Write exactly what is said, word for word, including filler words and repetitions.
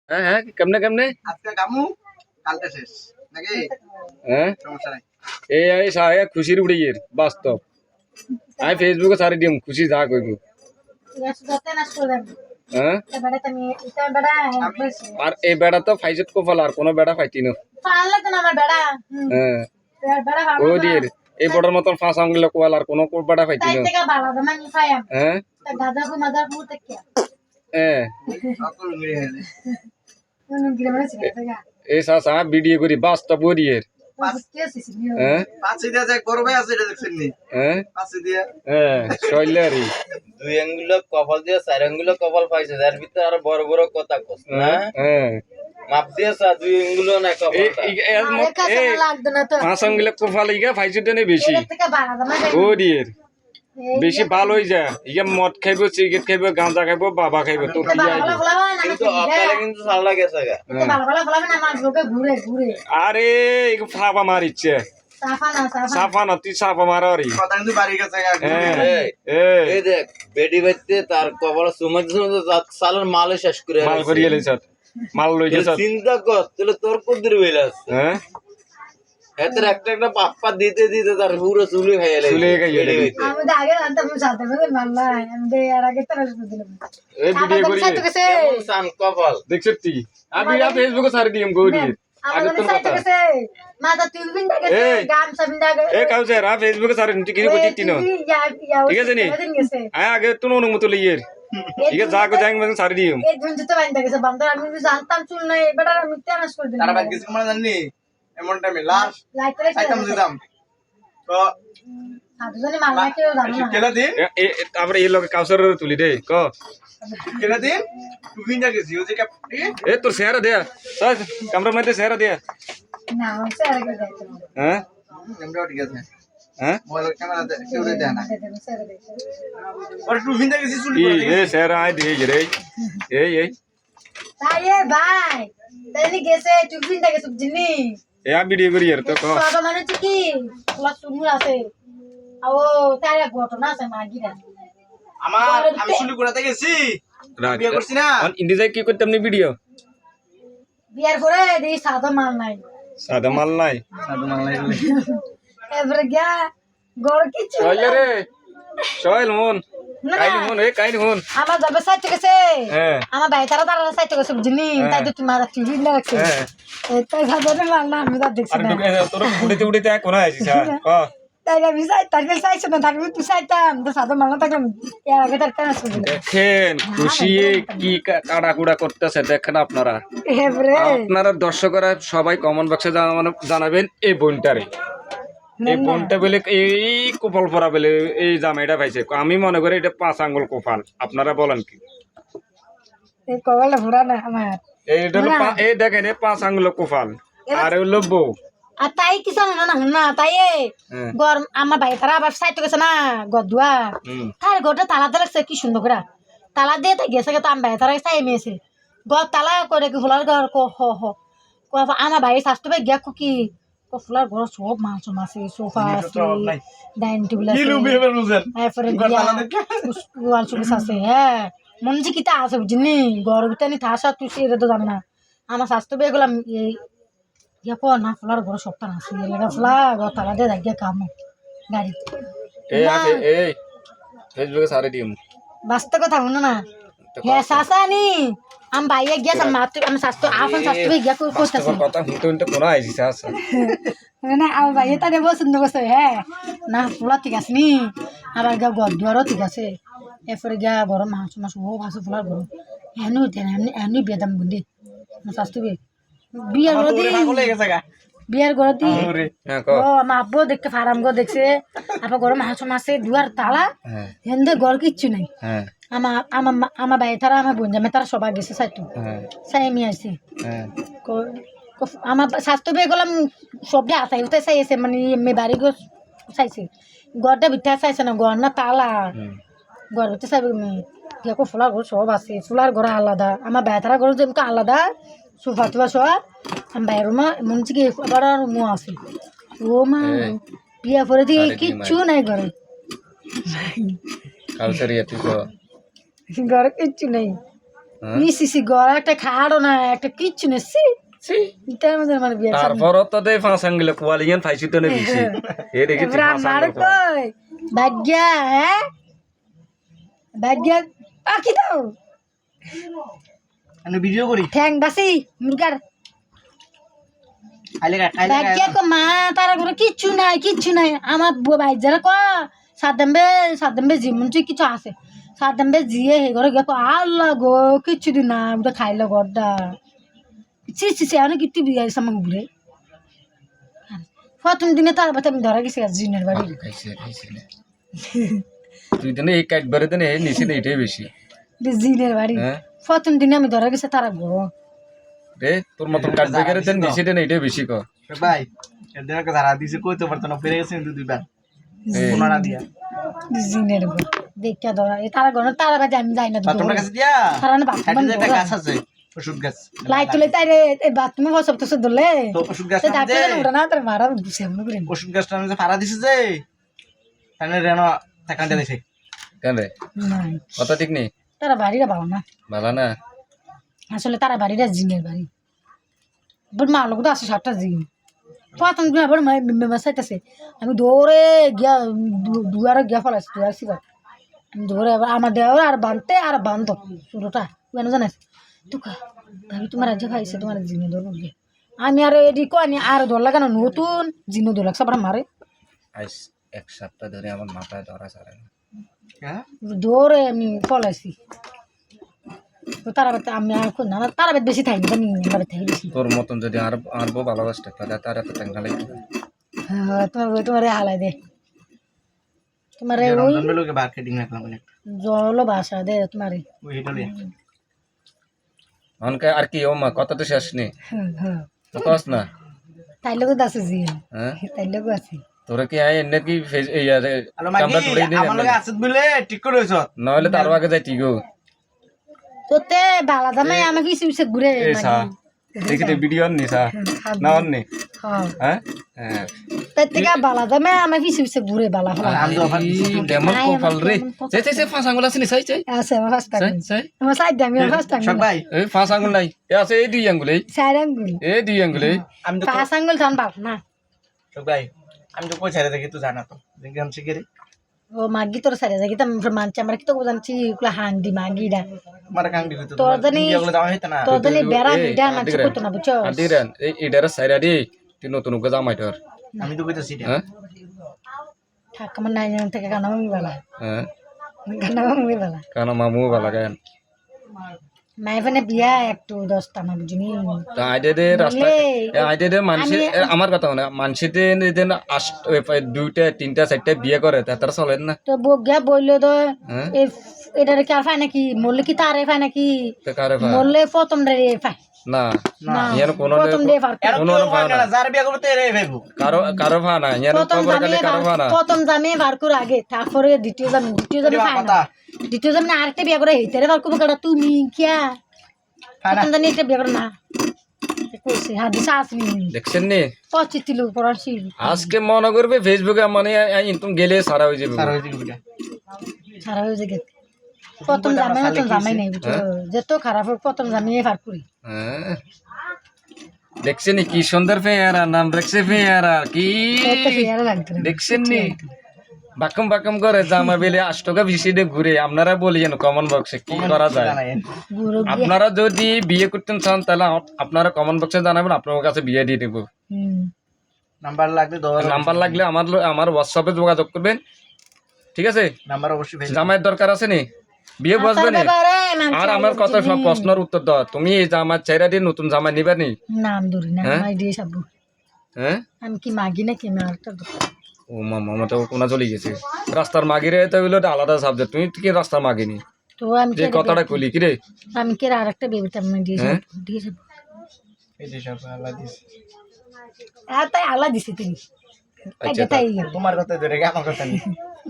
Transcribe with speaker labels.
Speaker 1: হ্যাঁ হ্যাঁ কেমনে কেমনে
Speaker 2: আজকে কামু কালকে শেষ নাকি?
Speaker 1: হ্যাঁ
Speaker 2: সমস্যা নাই।
Speaker 1: এই এই সাহে খুশির উড়ে গিয়ে বাস্তব আই ফেসবুকে সারি দিম খুশি যা কইব হ্যাঁ আর এই বেড়া তো ফাইজত কোফাল আর কোনো বেড়া ফাইতি না হ্যাঁ ও দিয়ে এই বড়র মতন ফাঁস আঙ্গুল কোয়াল আর কোনো বেড়া ফাইতি না হ্যাঁ হ্যাঁ
Speaker 2: সকল মিলে গেছে।
Speaker 1: এই সা সা ভিডিও করি বাস্তব ওরিয়ের হ্যাঁ
Speaker 2: পাঁচে দিয়া যায় করবে আছে এটা দেখছেন নি?
Speaker 1: হ্যাঁ
Speaker 2: পাঁচে দিয়া
Speaker 1: হ্যাঁ শৈলারি
Speaker 3: দুই আঙ্গুল কপাল দিয়ে চার আঙ্গুল কপাল পাইছে যার ভিতরে আরো বড় বড় কথা কস না
Speaker 1: হ্যাঁ
Speaker 3: মাপ দিয়ে চা দুই আঙ্গুল না কপালটা
Speaker 1: পাঁচ আঙ্গুলে কোফাল ইগা ফাইজতে নেই বেশি ওরিয়ের বেশি ভালো হয়ে যায় ইয়া মদ খাইব সিগারেট খাইব গাঁজা খাইব বাবা খাইব তোর কি যায়
Speaker 3: কিন্তু অকালে কিন্তু সাল্লা গেছে গা
Speaker 1: আরে এগো ফাপা মারিচ্ছে সাফা না তুই সাফা মারি
Speaker 2: কথা কিন্তু বাড়ি গেছে গা।
Speaker 3: এই এই দেখ বেডি বাইতে তার কপাল সুমাজ সালের মাল শেষ করে
Speaker 1: মাল করিয়ে লইছ মাল লই গেছ
Speaker 3: চিন্তা কর তাহলে তোর কুদির বেলাস
Speaker 1: হ্যাঁ
Speaker 3: এত একটা একটা পাপ্পা দিতে দিতে তার পুরো চুলি খাইয়া লাগে
Speaker 1: চুলে খাইয়া লাগে।
Speaker 4: আমি তো আগে জানতাম সাথে সাথে মাল্লা আমি এর আগে তো দিলাম
Speaker 1: এই ভিডিও করি
Speaker 3: কেমন সান কপাল
Speaker 1: দেখছ তুই আমি আ ফেসবুকে সারি দিম গরি আগে তোর কথা
Speaker 4: মাথা তুই বিন দাগে গাম সাবিন দাগে
Speaker 1: এ কাউছে রা ফেসবুকে সারি তুই কিছু করছিস তিনো ঠিক আছে নি আয় আগে তুই অনুমতি লইয়ের ঠিক আছে যা কো যাই আমি সারি দিম
Speaker 4: এই ঝুঞ্জু তো বাইন্দা গেছে বান্দর আমি জানতাম চুল নাই এবার আমি তেনাস করে দিলাম
Speaker 2: তারা বাদ গেছে মানে জানি এমন টাইমে লাস্ট
Speaker 4: লাইটরে
Speaker 2: আইতাম দিতাম তো
Speaker 4: সাধুজনে মাল্লা কেউ জানো না
Speaker 2: কেলা দিন
Speaker 1: এ তারপরে এই লোক কাউসার তুলি দে ক
Speaker 2: কেলা দিন তুই না গেছি ওই যে কাপটি
Speaker 1: এ তোর চেহারা দে সাজ ক্যামেরা মধ্যে চেহারা দে
Speaker 4: না আমি স্যার আগে যাইতাম
Speaker 1: হ্যাঁ
Speaker 2: আমরা ঠিক আছে
Speaker 1: হ্যাঁ
Speaker 2: মোবাইল ক্যামেরা কেউ দেয় না
Speaker 4: স্যার দেখো
Speaker 2: আর তুই ভিন গেছি চুলি
Speaker 1: এই এ চেহারা আই দে রে এই এই
Speaker 4: তাই এ ভাই তাইনি গেছে তুই বিন দাগে সুবজিনি
Speaker 1: এ আ ভিডিও করি আর তো ক
Speaker 4: বাবা মানে কি ক্লাস শুনু আছে ও তাই ঘটনা আছে মাগিরা
Speaker 2: আমার আমি চুলি কোড়াতে গেছি
Speaker 1: রাখ
Speaker 2: বিয়ে করছি না
Speaker 1: অন ইন্ডিয়ায় কি করতাম নি ভিডিও
Speaker 4: বিয়ার পরে দেখি সাদা মাল নাই
Speaker 1: সাদা মাল নাই
Speaker 2: সাধু মানলাই
Speaker 4: এবারে গিয়া গড় কিছু
Speaker 1: চলে রে চল মন কাইনি মন এ কাইনি মন
Speaker 4: আমার যাবে সাইতে গেছে
Speaker 1: হ্যাঁ
Speaker 4: আমার ভাই তারা তারা সাইতে গেছে বুঝলি তাই তো তোমার টিভি না রাখছে
Speaker 1: হ্যাঁ
Speaker 4: তাই সাদা মাল না আমি তো দেখছি
Speaker 1: আর
Speaker 4: না
Speaker 1: ঢুকে তোর উড়িতে উড়িতে কোন আইছিস ক
Speaker 4: তাই আমি সাই তাই সাইছে না তাকে তুই সাইতাম তো সাদা মাল না থাকলাম এর আগে তার কেন শুনলি
Speaker 1: দেখেন খুশি কি কাড়াকুড়া করতেছে দেখেন আপনারা
Speaker 4: এবারে
Speaker 1: আপনারা দর্শকরা সবাই কমেন্ট বক্সে জানাবেন এই বোনটারে এই বোনটা বলে এই কোপাল পরা বলে এই জামাইটা পাইছে আমি মনে করি এটা পাঁচ আঙ্গুল কোপাল আপনারা বলেন কি
Speaker 4: এই কপালটা ভরা না আমার
Speaker 1: এইটা হলো পা- এই দেখেন এই পাঁচ আঙ্গুল কোপাল আর হলো বউ
Speaker 4: আর তাই কিছু না না না তাই
Speaker 1: হ্যাঁ।
Speaker 4: গরম আমার ভাই তারা আবার সাইতে গেছে না গদুয়া
Speaker 1: হুম।
Speaker 4: তার ঘরটা তালা দিয়ে রাখছে কি সুন্দর করে তালা দিয়ে তাই গেছে তো আমার ভাই তারা চাই মেয়েছে ঘর তালা করে কি ফুলার ঘর ক হ হ ক আমার ভাই স্বাস্থ্য ভাই গিয়া কি ক ফুলার ঘর সব মাছ আছে সোফা আছে ডাইনিং টেবিল আছে তারপরে ওয়াল সুবিস আছে হ্যাঁ মন যে কিতা আছে বুঝলি ঘর ভিতরে নি থাসা তুই এটা তো জানে না আমার স্বাস্থ্য ভাই গেলাম এই ইয়া কো না ফুলার ঘর সপ্তাহ আছে এলাকা ফুলা ঘর তালা দিয়ে যাই কাম গাড়ি
Speaker 1: এই আছে এই ফেসবুকে সারি দিম
Speaker 4: বাস্তব কথা শুনো না হ্যাঁ শাসা নি আমি বাইরে গিয়া মাত্র আমি স্বাস্থ্য আপন স্বাস্থ্য গিয়া করতেছি
Speaker 1: তোর কথা শুনতে শুনতে কোন আইছিস আছে
Speaker 4: না আমার বাইরে তাদের পছন্দ করছে হ্যাঁ না ফুলা ঠিক আছে নি আবার গা ঘর দুয়ারও ঠিক আছে এরপরে গিয়া গরম মাছ মাছ ও ভাসু ফুলার গরম এনু দেন এমনি এমনি বিয়ে দাম বুঝলি আমার স্বাস্থ্য বিয়ের ঘর দিয়ে বিয়ের ঘর দিয়ে
Speaker 1: হ্যাঁ ক
Speaker 4: ও আমার আব্বু দেখতে ফারাম গো দেখছে আবার গরম মাছ মাছে দুয়ার তালা
Speaker 1: হ্যাঁ
Speaker 4: হেন্দে ঘর কিচ্ছু নাই
Speaker 1: হ্যাঁ
Speaker 4: আমার আমার আমার ভাই তারা আমার বোন জামে তারা সবাই গেছে সাইতো
Speaker 1: হ্যাঁ
Speaker 4: সাই আমি আসছি
Speaker 1: হ্যাঁ
Speaker 4: আমার স্বাস্থ্য পেয়ে গেলাম সবজি আসাই উঠে চাইছে মানে এমনি বাড়ি গো চাইছে ঘরটা ভিতরে চাইছে না ঘর না তালা ঘর ভিতরে চাইবে মেয়ে দেখো ফুলার ঘর সব আছে ফুলার ঘর আলাদা আমার ভাই তারা ঘর যেমন আলাদা সোফা টোফা সব আমার ভাইয়ের মা মনে হচ্ছে কি আবার রুমও আছে ও মা বিয়া পরে দিয়ে কিচ্ছু নাই ঘরে
Speaker 1: কালচারি তুই তো
Speaker 4: ঘরে কিচ্ছু নেই ইসিসি ঘর একটা খাড়ো না একটা কিচ্ছু নেই
Speaker 1: ছি।
Speaker 4: ইটার মধ্যে আমার বিয়ে
Speaker 1: তারপরও তো দে পাঁচ আঙ্গুলে কোয়ালিয়ান ফাইছি তো নে দিছি এ দেখি
Speaker 4: রান্নার কই ভাগ্যা হ্যাঁ ভাগ্যা পাখি দাও
Speaker 2: আমি ভিডিও করি
Speaker 4: ঠ্যাং বাসি মুরগার
Speaker 2: খাইলে খা, খাইলে খা।
Speaker 4: ভাগ্যা কো মা তার ঘরে কিচ্ছু নাই কিচ্ছু নাই আমার বুয়া ভাই যারা ক সাদাম্বে সাদাম্বে জিমন তুই কিছু আছে সাদাম্বে জিয়ে হে ঘরে গেকো আল্লাহ গো কিচ্ছু দিন না ওটা খাইলো গড্ডা সি সি সি অনেক কিটি বিয়ে আছে আমাকে ঘুরে প্রথম দিনে তার বাতে আমি ধরা গেছি জিনের বাড়ি
Speaker 1: খাইছে খাইছে তুই দেনে এই কাট বারে দেনে নিচে নে এটাই বেশি
Speaker 4: জিনের বাড়ি
Speaker 1: হ্যাঁ
Speaker 4: প্রথম দিনে আমি ধরা গেছে তারা গো
Speaker 1: রে তোর মতন কাট বেগারে দেন নিচে দেন এটাই বেশি ক
Speaker 2: ভাই এদের একটা ধারা দিছে কইতে পারতো না পেরে গেছে কিন্তু দুইবার
Speaker 1: এই,
Speaker 2: কোনারা দিয়া
Speaker 4: জিনের গো দেখা ধরা এই তারা গো তারা বাজে আমি যাই না
Speaker 2: তোমার কাছে দিয়া
Speaker 4: তারা না
Speaker 2: সাইডে যে একটা
Speaker 4: বাথরুম
Speaker 2: গাছ আছে ওষুধ গাছ
Speaker 4: লাইট তুলে তাই রে এই বাথরুমে বসব তো ধরলে
Speaker 2: তো ওষুধ গাছ
Speaker 4: সে ডাক্তার জানে ওটা না তার মারা বুঝে আমরা করে
Speaker 2: ওষুধ গাছটা আমি যে ফাড়া দিছে যে তাহলে রেনো টাকাটা দিছে
Speaker 1: কেন রে
Speaker 4: নাই
Speaker 1: কথা ঠিক নেই
Speaker 4: তারা বাড়িটা ভালো না
Speaker 1: ভালো না
Speaker 4: আসলে তারা বাড়িটা জিনের বাড়ি বট মা লোক তো আসে সাতটা জিন প্রথম দিন আবার মেসাইতেছে আমি দৌড়ে গিয়া দু- দুয়ারে গিয়া ফেলাইছি দুয়ার সিবার আমি দৌড়ে আবার আমার দেওয়ার আর বানতে আর বান্ধ শুরুটা কেন জানাস তুকা ভাবি তোমার রাজ্য খাইছে তোমার জিনে ধরবো গিয়ে আমি আর এডি কনি আর ধর লাগান নতুন জিনে ধর লাগছে আবার মারে
Speaker 1: আইস এক সপ্তাহ ধরে আমার মাথায় ধরা ছাড়ে না
Speaker 2: হ্যাঁ
Speaker 4: দৌড়ে আমি ফলাইছি তো তারা বাড়িতে আমি আর খুব না তারা বাড়িতে বেশি থাকি জানি আমার বাড়িতে থাকি বেশি
Speaker 1: তোর মতন যদি আর আর বউ ভালোবাসতে তাহলে তার এত টাকা লাগবে না।
Speaker 4: হ্যাঁ তোমার তোমার হালাই দে তোমার ওই
Speaker 2: রমজান বেলোকে মার্কেটিং রাখলাম একটা
Speaker 4: জল বাসা দে তোমার
Speaker 2: ওই এটা লিয়ে
Speaker 1: অনকে আর কি ও মা কত তো শেষ নেই
Speaker 4: হ্যাঁ
Speaker 1: তো কস না
Speaker 4: তাই লোক আছে জি
Speaker 1: হ্যাঁ
Speaker 4: তাই লোক আছে
Speaker 1: তোরা কি আয় এনে কি ফেস এই আরে
Speaker 2: হ্যালো মাগি
Speaker 1: কামড়া ধরে দিই
Speaker 2: আমার লগে আছে বলে ঠিক করে হইছ
Speaker 1: নইলে তার আগে যাই ঠিক
Speaker 4: তোতে বালা দামে আমি কিছু কিছু ঘুরে
Speaker 1: এই সা দেখি তো ভিডিও নি সা না অননি
Speaker 4: হ্যাঁ
Speaker 1: হ্যাঁ হ্যাঁ
Speaker 4: তাই থেকে বালা দামে আমি কিছু কিছু ঘুরে বালা হলা
Speaker 2: আমি তো অফার
Speaker 1: এই কেমন কপাল রে চাই চাই চাই ফাঁস আঙুল আছে নি চাই চাই
Speaker 4: আছে আমার ফার্স্ট
Speaker 1: চাই
Speaker 4: টাইম
Speaker 1: চাই
Speaker 4: আমার সাইড দামি ফার্স্ট টাইম
Speaker 2: সব ভাই
Speaker 1: এই ফাঁস আঙুল নাই এ আছে এই দুই আঙ্গুল এই
Speaker 4: চার আঙ্গুল
Speaker 1: এই দুই আঙ্গুল এই
Speaker 2: আমি তো
Speaker 4: পাঁচ আঙ্গুল থান বাপ না
Speaker 2: সব ভাই আমি তো কই ছেড়ে দেখি তুই জানা তো দেখি আমি শিখে রে
Speaker 4: ও মাগি তোর সাইডে যাই কিতাম মানছি আমরা কিতো জানছি কুলা হান্ডি মাগিডা
Speaker 2: আমার কাং দিতে
Speaker 4: তোর জানি
Speaker 2: এগুলো দাম হইতো না
Speaker 4: তোর জানি বেড়া
Speaker 1: এই,
Speaker 4: বিডা মানছি
Speaker 1: আদিরা।
Speaker 4: করতো না বুঝছো
Speaker 1: আদিরান এই এটার সাইরা দি তুই নতুন উকে জামাই তোর
Speaker 2: আমি তো কইতাছি এটা
Speaker 1: হ্যাঁ
Speaker 4: থাক আমার নাই জান থেকে গানা মামি বালা
Speaker 1: হ্যাঁ
Speaker 4: গানা মামি বালা
Speaker 1: কানা মামু ভালো গান
Speaker 4: মাই ফোনে বিয়া একটু দশটা না বুঝিনি
Speaker 1: তা আইডে দে রাস্তা
Speaker 4: বলে,
Speaker 1: আইডে দে মানুষের
Speaker 4: আমি-
Speaker 1: এ, আমার কথা না মানুষেতে দেন আষ্ট এ, প্রায় দুইটা তিনটা চারটা বিয়ে করে তা তারা চলেন না
Speaker 4: তো বগিয়া বললো তো
Speaker 1: হ্যাঁ
Speaker 4: এ এটারে কি আর পায় নাকি মরলে কি তারে পায় নাকি
Speaker 1: তো কারে ভা
Speaker 4: মরলে প্রথম রে পায়
Speaker 1: না
Speaker 4: না
Speaker 1: ইয়ার কোনো
Speaker 4: প্রথম রে পার
Speaker 2: এর
Speaker 1: কোনো
Speaker 2: কোনো
Speaker 1: ভাই না।
Speaker 2: না যার বিয়া করতে রে ভাইবো
Speaker 1: কারো কারো ভা না ইয়ার
Speaker 4: প্রথম
Speaker 1: খবর
Speaker 4: জামিয়ে
Speaker 1: কালে কারো ভা না
Speaker 4: প্রথম জামিয়ে বার করে আগে তারপরে দ্বিতীয় জামি দ্বিতীয় জামি পায় না
Speaker 2: কথা
Speaker 4: দ্বিতীয় জামি আরেকটা বিয়া করে হেইতারে বার করবো কেডা তুমি কিয়া প্রথম জানি একটা বিয়া করে না কইছে হাদিস আসনি
Speaker 1: দেখছেন নি
Speaker 4: পঁচিশ কিলো পড়াছি
Speaker 1: আজকে মনে করবে ফেসবুকে মানে তুমি গেলে সারা হয়ে যাবে
Speaker 2: স্যার হইছে বিটা
Speaker 4: সারা হয়ে যায় প্রথম জামাই নতুন জামাই নেই বুঝছো যেত খারাপ হোক প্রথম জামিয়ে পার করি
Speaker 1: হ্যাঁ দেখছেন নি কি সুন্দর পেয়ারা নাম রাখছে পেয়ারা কি
Speaker 4: একটা পেয়ারা লাগতো না।
Speaker 1: দেখছেন নি বাকম বাকম করে জামা বেলে আট টাকা বেশি দিয়ে ঘুরে আপনারা বলিয়েন কমন বক্সে কি করা যায়
Speaker 4: গুঁড়ো গিয়ে
Speaker 1: আপনারা যদি বিয়ে করতেন চান তাহলে আপ- আপনারা কমন বক্সে জানাবেন আপনার কাছে বিয়ে দিয়ে দেবো
Speaker 4: হুম
Speaker 2: নাম্বার লাগবে দশ
Speaker 1: নাম্বার লাগলে আমার লো- আমার হোয়াটসঅ্যাপে যোগাযোগ করবেন ঠিক আছে
Speaker 2: নাম্বার অবশ্যই ভাই
Speaker 1: জামাইয়ের দরকার আছে নি বিয়ে বসবে নি
Speaker 4: ব্যাপারে মানুষ
Speaker 1: আর আমার কত সব প্রশ্নের উত্তর দাও তুমি এই জামার চেহারা দিয়ে নতুন জামা নিবে নি
Speaker 4: নাম ধরি না
Speaker 1: হ্যাঁ?
Speaker 4: মাই দিয়ে সাবু
Speaker 1: হ্যাঁ
Speaker 4: আমি কি মাগি না কি আমার একটা
Speaker 1: ও মামা আমার তো কোনা চলে গেছে রাস্তার মাগিরে তো হইলো একটা আলাদা সাবজেক্ট তুমি কি রাস্তার মাগিনি
Speaker 4: তো আমি
Speaker 1: যে
Speaker 4: কে
Speaker 1: কথাটা কলি কি রে
Speaker 4: আমি কে আর একটা বেবিটা আমি দিয়ে
Speaker 1: হ্যাঁ?
Speaker 4: সাবু দিয়ে সাবু
Speaker 2: এই যে সব আল্লাহ দিছে
Speaker 4: আর তাই আল্লাহ দিছে তুমি
Speaker 1: আচ্ছা,
Speaker 4: তাই
Speaker 2: তোমার কথা ধরে আমার কথা নেই